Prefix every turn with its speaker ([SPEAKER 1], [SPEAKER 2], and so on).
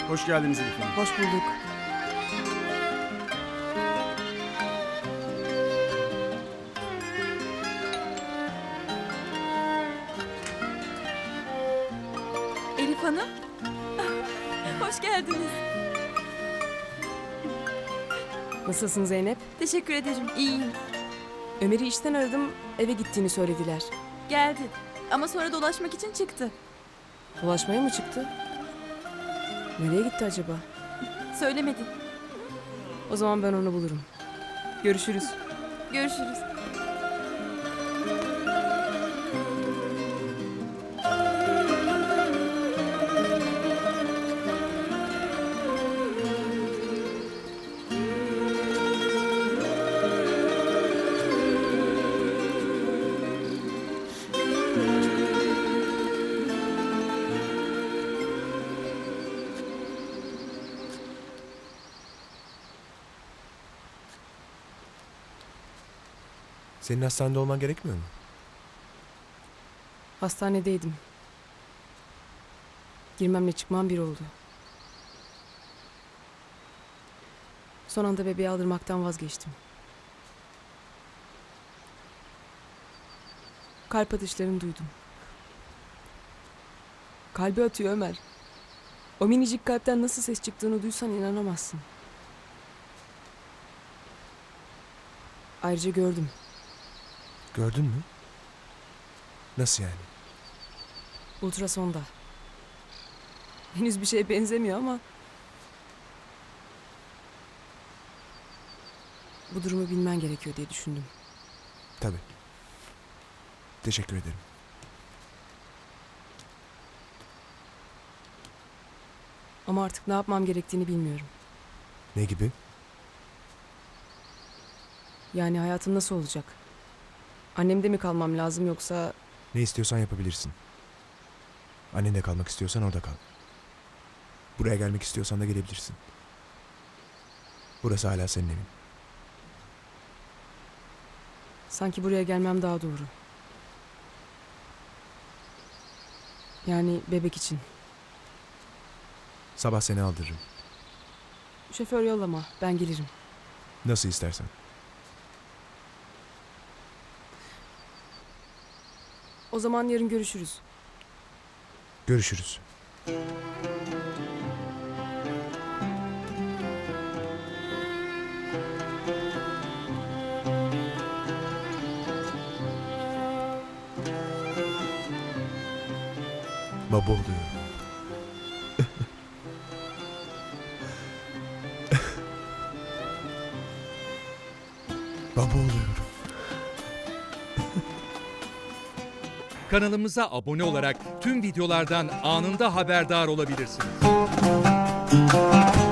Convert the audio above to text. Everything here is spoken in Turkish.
[SPEAKER 1] Hoş geldiniz Elif Hanım.
[SPEAKER 2] Hoş bulduk.
[SPEAKER 3] Elif Hanım. Hoş geldiniz.
[SPEAKER 2] Nasılsın Zeynep?
[SPEAKER 3] Teşekkür ederim. İyiyim.
[SPEAKER 2] Ömer'i işten aradım, eve gittiğini söylediler.
[SPEAKER 3] Geldi. Ama sonra dolaşmak için çıktı.
[SPEAKER 2] Dolaşmaya mı çıktı? Nereye gitti acaba?
[SPEAKER 3] Söylemedi.
[SPEAKER 2] O zaman ben onu bulurum. Görüşürüz.
[SPEAKER 3] Görüşürüz.
[SPEAKER 4] Senin hastanede olman gerekmiyor mu?
[SPEAKER 2] Hastanedeydim. Girmemle çıkmam bir oldu. Son anda bebeği aldırmaktan vazgeçtim. Kalp atışlarını duydum. Kalbi atıyor Ömer. O minicik kalpten nasıl ses çıktığını duysan inanamazsın. Ayrıca gördüm.
[SPEAKER 4] Gördün mü? Nasıl yani?
[SPEAKER 2] Ultrasonda. Henüz bir şeye benzemiyor ama... bu durumu bilmen gerekiyor diye düşündüm.
[SPEAKER 4] Tabii. Teşekkür ederim.
[SPEAKER 2] Ama artık ne yapmam gerektiğini bilmiyorum.
[SPEAKER 4] Ne gibi?
[SPEAKER 2] Yani hayatım nasıl olacak? Annemde mi kalmam lazım yoksa...
[SPEAKER 4] Ne istiyorsan yapabilirsin. Annenle kalmak istiyorsan orada kal. Buraya gelmek istiyorsan da gelebilirsin. Burası hala senin evin.
[SPEAKER 2] Sanki buraya gelmem daha doğru. Yani bebek için.
[SPEAKER 4] Sabah seni aldırırım.
[SPEAKER 2] Şoför yollama, ben gelirim.
[SPEAKER 4] Nasıl istersen.
[SPEAKER 2] O zaman yarın görüşürüz.
[SPEAKER 4] Görüşürüz. Baba oluyor. Baba oluyorum.
[SPEAKER 5] Kanalımıza abone olarak tüm videolardan anında haberdar olabilirsiniz.